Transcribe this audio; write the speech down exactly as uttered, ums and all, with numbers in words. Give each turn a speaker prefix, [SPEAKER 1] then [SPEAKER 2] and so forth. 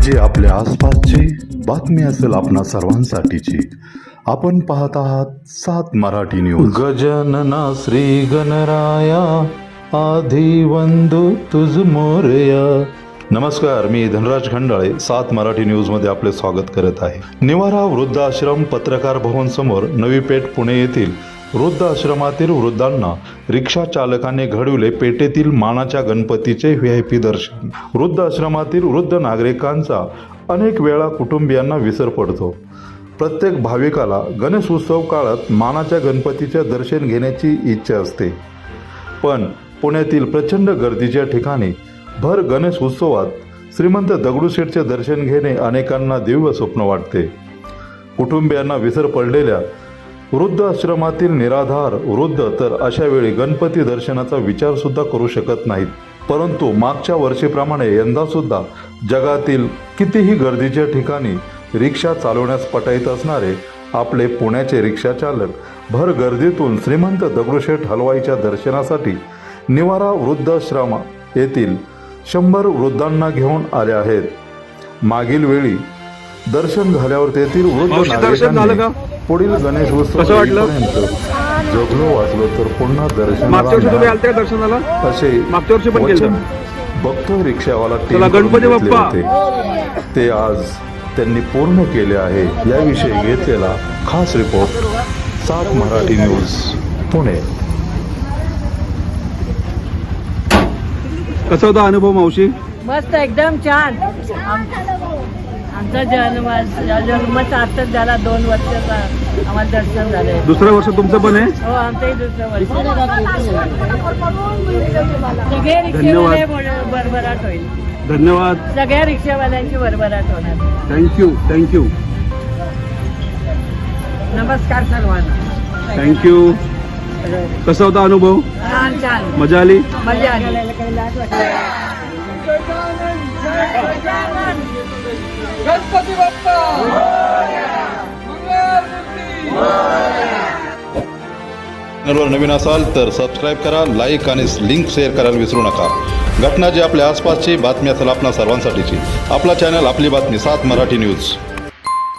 [SPEAKER 1] जी आपल्या आसपासची बातमी असेल आपणा सर्वांसाठीची। आपण पाहत आहात सात मराठी न्यूज। गजानना श्री गणराया आधी वंदू तुझ मोरया। नमस्कार, मी धनराज खंडाळे सात मराठी न्यूज मध्ये आपले स्वागत करत आहे। निवारा वृद्धाश्रम पत्रकार भवन समोर नवी पेठ पुणे येथील वृद्ध आश्रमातील वृद्धांना रिक्षा चालकाने घडविले पेटेतील मानाच्या गणपतीचे व्ही आय पी दर्शन। वृद्ध आश्रमातील वृद्ध नागरिकांचा अनेक वेळा कुटुंबियांना विसर पडतो। प्रत्येक भाविकाला गणेश उत्सव काळात मानाच्या गणपतीचे दर्शन घेण्याची इच्छा असते, पण पुण्यातील प्रचंड गर्दीच्या ठिकाणी भर गणेश उत्सवात श्रीमंत दगडूशेठचे दर्शन घेणे अनेकांना दिव्य स्वप्न वाटते। कुटुंबियांना विसर पडलेल्या वृद्ध आश्रमातील निराधार वृद्ध तर अशा वेळी गणपती दर्शनाचा विचार सुद्धा करू शकत नाहीत। परंतु मागच्या वर्षीप्रमाणे यंदा सुद्धा जगातील कितीही गर्दीच्या ठिकाणी रिक्षा चालवण्यास पटाईत असणारे आपले पुण्याचे रिक्षा चालक भर गर्दीतून श्रीमंत दगडूशेठ हलवाईच्या दर्शनासाठी निवारा वृद्धाश्रम येथील शंभर वृद्धांना घेऊन आले आहेत। मागील वेळी दर्शन झाल्यावर तेथील वृद्ध नागरिकांनी पुढील गणेश उत्सवापर्यंत जगलो वाचलो तर पुन्हा दर्शनाला
[SPEAKER 2] दर्शनाला
[SPEAKER 1] असे
[SPEAKER 2] मागच्या वर्षी पण केलं
[SPEAKER 1] बघतो रिक्षावाला
[SPEAKER 2] गणपती बाप्पा
[SPEAKER 1] होते ते आज त्यांनी पूर्ण केले आहे। याविषयी घेतलेला खास रिपोर्ट सात मराठी न्यूज पुणे।
[SPEAKER 2] कसा होता अनुभव मावशी?
[SPEAKER 3] मस्त, एकदम छान। आमचा जन्म जन्मच आताच झाला, दोन वर्षाचा आम्हाला दर्शन झाले।
[SPEAKER 2] दुसरं वर्ष तुमचं पण आहे?
[SPEAKER 3] हो, आमचंही दुसरं वर्ष। सगळे रिक्षावाले भरभराट होईल।
[SPEAKER 2] धन्यवाद।
[SPEAKER 3] सगळ्या रिक्षावाल्यांची भरभराट होणार।
[SPEAKER 2] थँक्यू थँक्यू
[SPEAKER 3] नमस्कार सर्वांना।
[SPEAKER 2] थँक्यू। कसा होता अनुभव?
[SPEAKER 3] छान छान,
[SPEAKER 2] मजा आली?
[SPEAKER 3] मजा आली।
[SPEAKER 4] गणपती बाप्पा
[SPEAKER 1] चॅनलवर नवीन असाल तर सबस्क्राईब करा, लाईक आणि लिंक शेअर करायला विसरू नका। घटना जी आपल्या आसपासची बातमी असेल आपणा सर्वांसाठीची, आपला चॅनल आपली बातमी सात मराठी न्यूज।